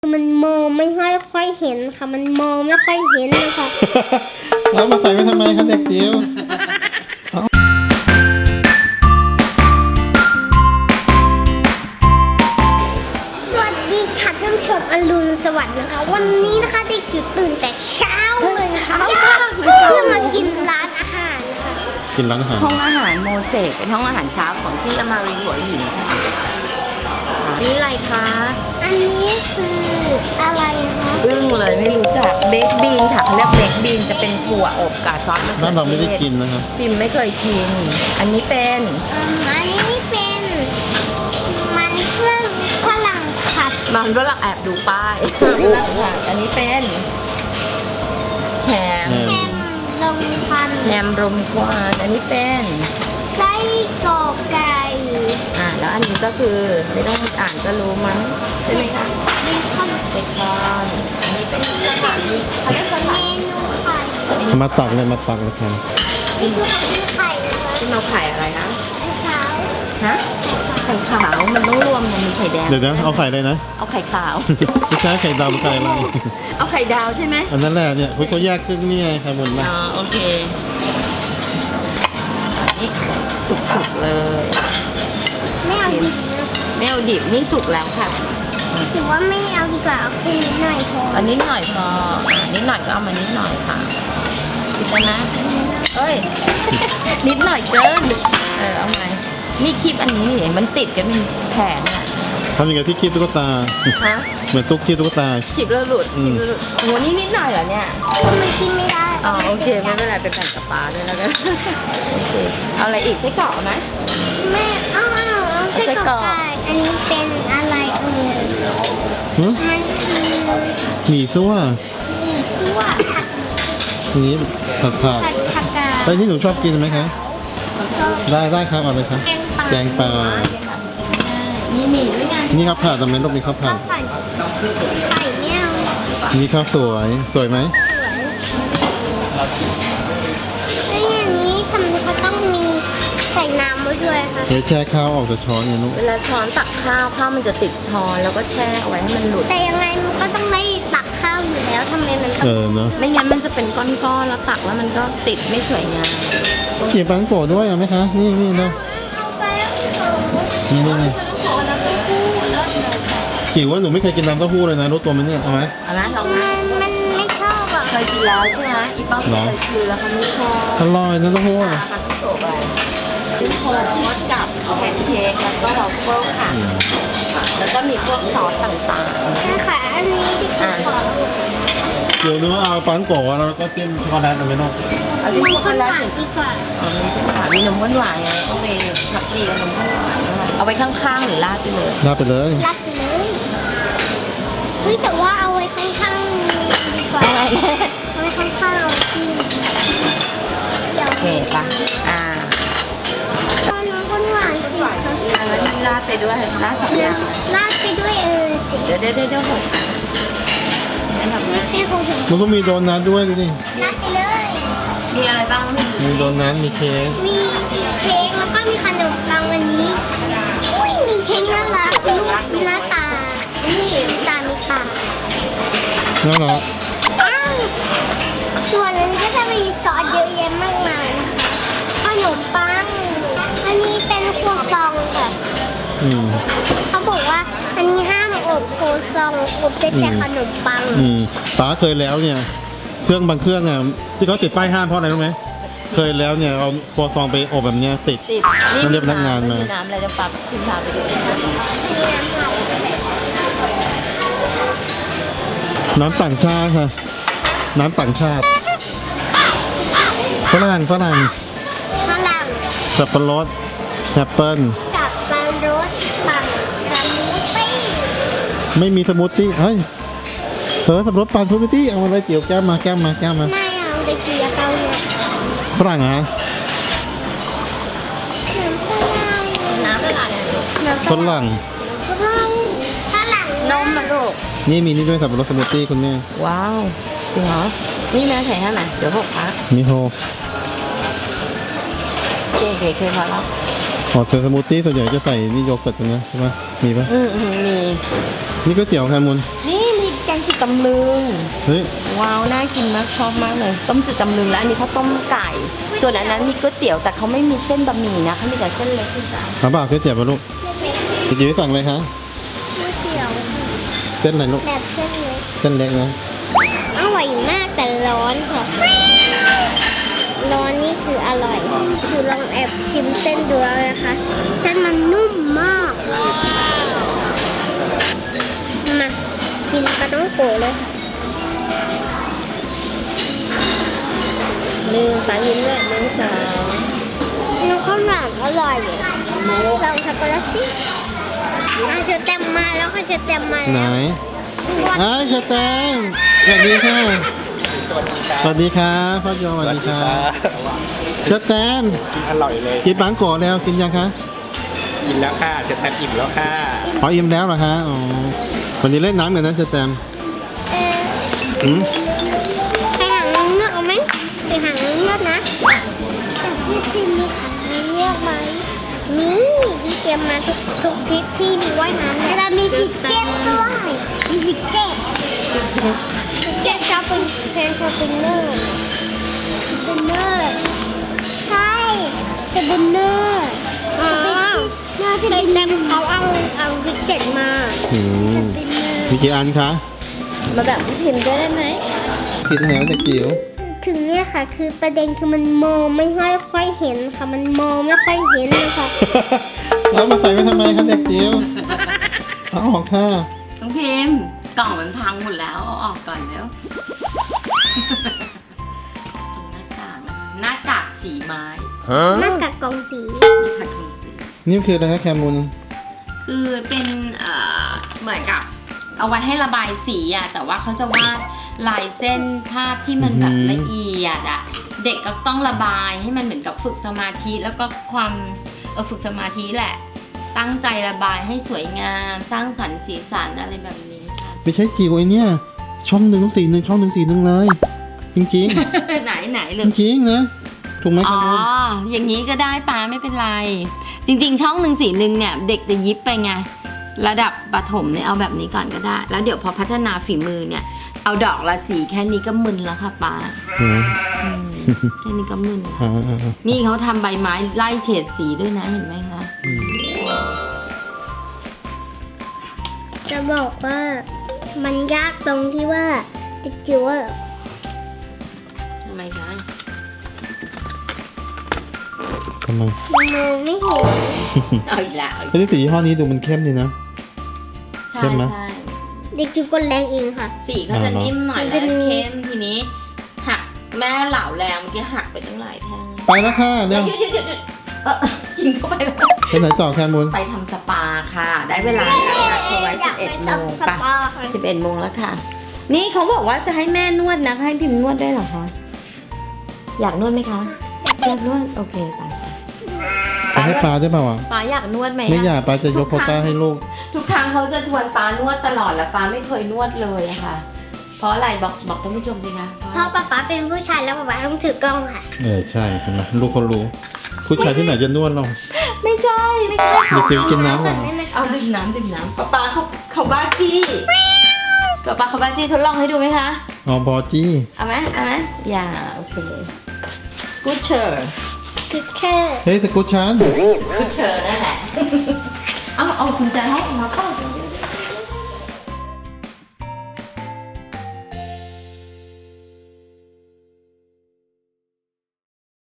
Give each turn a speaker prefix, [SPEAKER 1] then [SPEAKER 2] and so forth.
[SPEAKER 1] มันมองไม่ค่อยเห็นค่ะมันมองไม่ค่อยเห็นนะคะ
[SPEAKER 2] แล้วมาใส่ไว้ทำไมคะเด็กจิ๋ว
[SPEAKER 1] สวัสดีค่ะท่านผู้ชมอรุณสวัสดิ์นะคะวันนี้นะคะเด็กจิ๋วตื่นแต่เช้าเลยนะคะเพื่อมากินร้านอาหารค่ะ
[SPEAKER 2] กินร้านอาหาร
[SPEAKER 3] ห้องอาหารโมเสกเป็นห้องอาหารเช้าของที่อมารีหัวหินค่ะนี่อะไรคะ
[SPEAKER 1] อันนี้คืออะไรคะ
[SPEAKER 3] อึ้งเลยไม่รู้จักเบคบีนค่ะเขาเรียกเบคบีนจะเป็นถั่วอบกับซอสมะเขื
[SPEAKER 2] บ้านเราไม่ได้
[SPEAKER 3] อเทศ
[SPEAKER 2] กินนะครับ
[SPEAKER 3] ปิมไม่เคยกิน อันนี้เป็น
[SPEAKER 1] อันนี้เป็นมันเครื่องฝรั่งผัด
[SPEAKER 3] มันฝรั่งแอบดูป้ายอันนี้เป็นแฮม
[SPEAKER 1] แฮมลมควัน
[SPEAKER 3] แฮมรมควันอันนี้เป็น
[SPEAKER 1] ไส้กรอกไก่
[SPEAKER 3] แล้วอันนี้ก็คือไม่ต้องอ่านก็รู้มั้งใช่ไหมคะ
[SPEAKER 1] เบคอน
[SPEAKER 3] เบคอนอันนี้เป็นสถานีเขาเรียกส
[SPEAKER 1] เม
[SPEAKER 3] ถานี
[SPEAKER 1] นูไข่
[SPEAKER 2] มาตักเลยมาตักเลยครับ
[SPEAKER 1] นี่คือของกินไข่นะคะ
[SPEAKER 3] ที่เราไข่อะไรนะ
[SPEAKER 1] ไข่ขาว
[SPEAKER 3] ฮะไข่ขาวมันต้องรวมมันมีไข่แดง
[SPEAKER 2] เดี๋ยวนะเอาไข่เลยนะ
[SPEAKER 3] เอาไข่ขาว
[SPEAKER 2] ไม่ใช่ไข่ดำไข่อะไร
[SPEAKER 3] เอาไข่ดาวใช่ไหม
[SPEAKER 2] อันนั้นแหละเนี่ยเขาแยกครึ่งนี่ไงครับบนนะ
[SPEAKER 3] อ๋อโอเคนี่สุกๆเลย
[SPEAKER 1] ไม่เอาดิบนะ
[SPEAKER 3] ไม่เอาดิบนี่สุกแล้วค่ะ
[SPEAKER 1] ถือว่าไม่เอาดีกว่าเอาแค่นิดหน่อยพอ
[SPEAKER 3] อันนิดหน่อยพอนิดหน่อยก็เอามานิดหน่อยค่ะคิดแล้วนะเอ้ย นิดหน่อยเกินเอาไงนี่คลิปอันนี้นี่มันติดกันเป็นแผงอ่ะ
[SPEAKER 2] ทำยังไงที่คีบตุ๊กตา
[SPEAKER 3] ฮะ
[SPEAKER 2] เหมือนตุ๊กคีบตุ๊กตา
[SPEAKER 3] คลิปแล้วหลุดคลิปแล้วหลุดโหนี่นิดหน่อยเหรอเนี่ย
[SPEAKER 1] มันกินไม่ได้
[SPEAKER 3] อ๋อโอเคไม่เป็นไรเป็นแผ่นกับปลาด้วยแล้วกัน โอเคเอาอะไรอีกไส้กรอกไหม
[SPEAKER 1] ไม่เอาไส้กรอกไก่อันนี้เป็นอะไร
[SPEAKER 2] หือ
[SPEAKER 1] มันคือ
[SPEAKER 2] หมี่ซั่ว
[SPEAKER 1] หมี่ซั่วผัด
[SPEAKER 2] อย่างนี้ผัดผัก
[SPEAKER 1] ผักกาด
[SPEAKER 2] ไอ้ที่หนูชอบกินไหมคะ ได้ครับเอาเลยครับ แกงปลา
[SPEAKER 3] มีหมี่ด้วยไง
[SPEAKER 2] นี่ข้าวผัดตรงนี้ลูกมีข้าวผั
[SPEAKER 1] ข้า
[SPEAKER 2] ด
[SPEAKER 1] วผัดไข่เนี่ย
[SPEAKER 2] นี่ข้าวสวย สวยไหม
[SPEAKER 1] สวยแล้วอย่างนี้ทำไมเขาต้องมีใส่น้ำไว้ด้วยคะ
[SPEAKER 2] เดี๋ยวแช่ข้าวออกจากช้อนไงลูก
[SPEAKER 3] เวลาช้อนตักข้าวข้าวมันจะติดช้อนแล้วก็แช่เอาไว้ให้มันหลุด
[SPEAKER 1] แต่ยังไงมันก็ต้องได้ตักข้าวอยู่แล้วทำไมมันต้อง
[SPEAKER 2] เนาะ
[SPEAKER 3] ไม่งั้นมันจะเป็นก้อนๆแล้วตักแล้วมันก็ติดไม่สวยงาม
[SPEAKER 2] เก็บปังโกะด้วยเอาไหมคะ นี่เนาะ
[SPEAKER 1] เอาไปแล้ว
[SPEAKER 2] นี่จิ๋วว่าหนูไม่เคยกินน้ำเต้าหู้เลยนะรู้ตัวไหมเนี่ยเอาไหม
[SPEAKER 3] เอานะลองนะ
[SPEAKER 1] มันไม่ชอบอ่ะ
[SPEAKER 3] เคยกินแล้วใช่ไหมอีป้อมเคยกินแล้วเขาไม่ชอบ
[SPEAKER 2] อร่อยนะเต้าหู้อะ
[SPEAKER 3] มาที่โต๊ะไปเป็นโทสต์กับแพนเค้กแล้วก็วอฟเฟิลค่ะ แล้วก็มีพวกซอสต่าง
[SPEAKER 1] นะคะอันนี้ที่ขอ
[SPEAKER 2] เดี๋ยวหนูเอาปังโกะแล้วก็จิ้มช็อกโกแลตเอาไหมลูก
[SPEAKER 3] ๆเอาที่ช็อกโก
[SPEAKER 1] คน
[SPEAKER 3] แล
[SPEAKER 1] ห
[SPEAKER 3] ต
[SPEAKER 1] วานดีกว่า
[SPEAKER 3] อ๋อมีนมหวานไงต้องไปผักดีกับนมข้นหวานด้วยเอาไปข้างๆหรือราดไปเลย
[SPEAKER 2] ลาดไปเลย
[SPEAKER 1] รักเลยเฮ้ยแต่ว่าเอาไว้ข้างๆดีกว่า
[SPEAKER 3] เอาไง
[SPEAKER 1] เอาไว้ข้างๆเอากินเดี๋ยว
[SPEAKER 3] โอเคปะ
[SPEAKER 1] ตอนน้องคนหวานสิคะ
[SPEAKER 3] แล้วนี่ราดไปด้วยราดสองอย่าง
[SPEAKER 1] ราดไปด้วยสิ
[SPEAKER 3] เดี๋ยวหกอันดับ
[SPEAKER 1] ไม่
[SPEAKER 3] แรก
[SPEAKER 1] ใช่ของฉัน
[SPEAKER 2] มันก็มีโดนัทด้วยดูดิ
[SPEAKER 1] ราดไปเลย
[SPEAKER 3] มีอะไรบ้างไม่รู้
[SPEAKER 2] มีโดนัทมีเค้ก
[SPEAKER 1] มีเค้กแล้วก็มีขนมปังวันนี้ อุ้ยมีเค้กน่ารักเป็นรูปหน้าตานี่ตามีปาก
[SPEAKER 2] น่ารัก
[SPEAKER 1] อ้าวส่วนอันนี้ก็จะมีซอสเยอะแยะมากมายนะคะขนมปัง อันนี้เป็นครัวซองค่ะ
[SPEAKER 2] อืม
[SPEAKER 1] เขาบอกว่าอันนี้ห้ามอบครัวซองอบได้แต่ขนมปัง
[SPEAKER 2] ป้าเคยแล้วเนี่ย เครื่องบางเครื่องอ่ะที่เขาติดป้ายห้ามเพราะอะไรรู้ไหมเคยแล้วเนี่ยเอาครัวซองไปอบแบบเนี้ยติด
[SPEAKER 3] ติด
[SPEAKER 2] ต้องเรียกพนักงานมา
[SPEAKER 3] น้ำอะไรจะปรับขึ้นพาไปดูนะ
[SPEAKER 1] มีน้ำเผา
[SPEAKER 2] น้ำต่างชาติค่ะ น้ำต่างชาติฝรั่ง
[SPEAKER 1] ฝรั่ง
[SPEAKER 2] สับปะรดแอปเปิ้ล
[SPEAKER 1] กับปลารสปั่นสมูทตี้
[SPEAKER 2] ไม่มีสมูทตี้เฮ้ยสับปะรดปั่นสมูทตี้เอามาเลยเจียวแก้มมา
[SPEAKER 1] ไม่เอาตะเกียบเอาเนี่ย
[SPEAKER 2] ฝรั่งเหรอ
[SPEAKER 1] น้ำฝรั่ง
[SPEAKER 3] น้ำอะไร
[SPEAKER 2] ฝรั่ง
[SPEAKER 1] ฝรั่ง
[SPEAKER 3] นมมาลูก
[SPEAKER 2] นี่มีนี่ด้วยสับปะรดสมูทตี้คุณแม่
[SPEAKER 3] ว้าว จริงเหรอ นี่แม่ใส่ให้ไหมเดี๋ยวหกพัก
[SPEAKER 2] มีโฮ
[SPEAKER 3] เคยพอแล้ว
[SPEAKER 2] อ๋อสมูทตี้ส่วนใหญ่จะใส่นี่โยเกิร์ตกันนะใช่ไหมมีปะ
[SPEAKER 3] มี
[SPEAKER 2] นี่ก๋วยเตี๋ยวแคมุน
[SPEAKER 3] นี่ตำลึง
[SPEAKER 2] เฮ้ย
[SPEAKER 3] ว้าวน่ากินมากชอบมากเลยต้มจืดตำลึงแล้วอันนี้เขาต้มไก่ ส่วนอันนั้นมีก๋วยเตี๋ยวแต่เขาไม่มีเส้นบะหมี่นะเขามีแต่เส้นเล็กคุณจ๋า
[SPEAKER 2] ถามบ่าวก๋วยเตี๋ยวป่ะลูกจะกินสั่งเลยคะ
[SPEAKER 1] ก๋วยเตี๋ยว
[SPEAKER 2] เส้นอะไรลูก
[SPEAKER 1] แบบเส้นเล็ก
[SPEAKER 2] เส้นเล็กนะ
[SPEAKER 1] อร่อยมากแต่ร้อนค่ะร้อนนี่คืออร่อยคือลองแอบชิมเส้นดูแล้วนะคะเส้นมันนุ่มมากมากินปลาต้องโกะเลยค่ะ
[SPEAKER 3] หนึ่งสามยิ้มเลยหนึ่งสาม
[SPEAKER 1] น้ำข้าวหลามอร่อยลองช็อกโกแลตสิเชอแตมมาแล้วค่ะเชอแตมมา
[SPEAKER 2] ไหน
[SPEAKER 1] แล้ว
[SPEAKER 2] อ้าวเชอแตมสวัสดีค่ะสวัสดีครับพ่อโยสวัสดีครับเชอแตม
[SPEAKER 4] กินอร่อยเลย
[SPEAKER 2] กินปังโกะแล้วกินยังคะ
[SPEAKER 4] กินแล้วค่ะจะแทนอิ่มแล้วค่ะ
[SPEAKER 2] อ๋ออิ่มแล้วเหรอคะอ๋อวันนี้เล่นน้ำกันนะเชอแตม
[SPEAKER 1] เออ
[SPEAKER 2] อืม
[SPEAKER 1] ใครหางนางเงือกเอาไหมใครหางนางเงือกนะแต่พี่พิมมีหางนางเงือกไหมมีพี่เตรียมมาทุกทริปที่มีว่ายน้ำแล้วมีฟิกเก็ตด้วยมีฟิกเก็ตเจ็ตชอบเป็นแฟนคอเป็นเนอร์เป็นเนอร์ใช่เป็นเนอร์อ๋อเนอร์ที่เป็นเขาเอาฟิกเก็ตมา
[SPEAKER 2] อืม
[SPEAKER 1] เป็นเนอร์
[SPEAKER 2] มีกี่อันคะ
[SPEAKER 3] มาแบบพี่พิมพ์ด้วยได้ไหม
[SPEAKER 2] กินแล้วเด็กจิ๋ว
[SPEAKER 1] ถึงเนี่ยค่ะคือประเด็นคือมันมองไม่ค่อยเห็นค่ะมันมองไม่ค่อยเห็นนะคะ
[SPEAKER 2] แล้วมาใส่ไว้ทำไมคะเด็กจิ๋วเอาออกค่ะ
[SPEAKER 3] น้องพิมพ์กล่องมันพังหมดแล้วเอาออกก่อนแล้วหน้ากากนะคะหน้ากากสีไม้
[SPEAKER 1] หน้ากากกล่องสี
[SPEAKER 3] หน้ากากกล่องสี
[SPEAKER 2] นี่คืออะไรคะแคมูล
[SPEAKER 3] คือเป็นเหมือนกับเอาไว้ให้ระบายสีอ่ะแต่ว่าเขาจะวาดลายเส้นภาพที่มันแบบละเอียดอ่ะเด็กก็ต้องระบายให้มันเหมือนกับฝึกสมาธิแล้วก็ความฝึกสมาธิแหละ ตั้งใจระบายให้สวยงามสร้างสรรค์สีสันอะไรแบบนี้ค่ะ
[SPEAKER 2] ไม่ใช่จิ๋วไอเนี่ยช่องหนึ่งต้องสีหนึ่งช่องหนึ่งสีหนึ่งเลย จริง
[SPEAKER 3] ไหนเล
[SPEAKER 2] ๆ
[SPEAKER 3] ย
[SPEAKER 2] จริงๆนะถูกไหม
[SPEAKER 3] อ๋
[SPEAKER 2] แค
[SPEAKER 3] อ
[SPEAKER 2] มูล
[SPEAKER 3] อย่างนี้ก็ได้ป้าไม่เป็นไร จริง ๆ ช่องหนึ่งสีหนึ่งเนี่ยเด็กจะยิบไปไงระดับประถมเนี่ยเอาแบบนี้ก่อนก็ได้ แล้วเดี๋ยวพอพัฒนาฝีมือเนี่ยเอาดอกละสีแค่นี้ก็มึนแล้วค่ะป้า
[SPEAKER 2] อืม
[SPEAKER 3] อืมแค่นี้ก็มึนแล้ว
[SPEAKER 2] อ่า
[SPEAKER 3] นี่เขาทำใบไม้ไล่เฉดสีด้วยนะเห็นไหมคะ
[SPEAKER 2] อืม
[SPEAKER 1] จะบอกว่ามันยากตรงที่ว่าติดจิ๋วอะ
[SPEAKER 3] ทำไมคะ
[SPEAKER 2] ทำไม
[SPEAKER 1] มันมองไม่เห็น
[SPEAKER 3] เอาอีกแล้วเอาอีก
[SPEAKER 2] เฮ้ยสียี่ห้อนี้ดูมันเข้มดีนะ
[SPEAKER 3] ใช่
[SPEAKER 2] เข้มไหม
[SPEAKER 3] ใช่
[SPEAKER 1] เด็กจิ๋วกดแรงเองค่ะ
[SPEAKER 3] สีเขาจะนิ่มหน่อย
[SPEAKER 1] มัน
[SPEAKER 3] แล้
[SPEAKER 1] จะ
[SPEAKER 3] ว
[SPEAKER 1] มี
[SPEAKER 3] เข้มทีนี้หักแม่เหล่าแรงเมื่อกี้หักไปตั้งหลายแท่ง
[SPEAKER 2] ไปแล้วค่ะ
[SPEAKER 3] เดี๋
[SPEAKER 2] เร็
[SPEAKER 3] ยว วหยุดกินเข้าไปแล้ว
[SPEAKER 2] ไปไหนต่อแคมูล
[SPEAKER 3] ไปทำสปาค่ะ ได้เวลาแล้วนัดเขาไว้
[SPEAKER 1] อยากไป
[SPEAKER 3] 11 โมง
[SPEAKER 1] ส
[SPEAKER 3] ป่ะ
[SPEAKER 1] ปาค่ะ
[SPEAKER 3] 11 โมงแล้วค่ะ นี่เขาบอกว่าจะให้แม่นวดนะให้พิมพ์นวดได้เหรอคะ อยากนวดไหมคะ อยากนวด โอเคไป
[SPEAKER 2] ไปให้ปลาได้เปล่าวะ
[SPEAKER 3] ป้าอยากนวดไหมะ
[SPEAKER 2] ไม่อยากปลาจะยกโควต้าให้ลูก
[SPEAKER 3] ทุกครั้งเขาจะชวนป้านวดตลอดแล้วป้าไม่เคยนวดเลยอะค่ะ เพราะอะไรบอกท่านผู้ชมสิคะ
[SPEAKER 1] เพราะป๊าเป็นผู้ชายแล้วป๊าต้องถือกล้องค่ะ
[SPEAKER 2] ใช่เห็นไหมลูกเขารู้ ผู้ชายที่ไหนจะนวดเรา
[SPEAKER 3] ไม่ใช่
[SPEAKER 1] ไม่ใช่
[SPEAKER 2] เด็กจิ๋วกินน้ำก่อน
[SPEAKER 3] เอาดื่มน้ำป้าเขาบ้าจี้ป้าเขาบ้าจี้ทดลองให้ดูไหมคะ
[SPEAKER 2] อ๋อบอจี้
[SPEAKER 3] เอาไหมอย่าโอเคสกูตเตอร์
[SPEAKER 1] คือแค่
[SPEAKER 2] เฮ้ยสกูตชัน
[SPEAKER 3] สกูตเตอร์นั่นแหละ เอาคุณจะให้มาเปล่า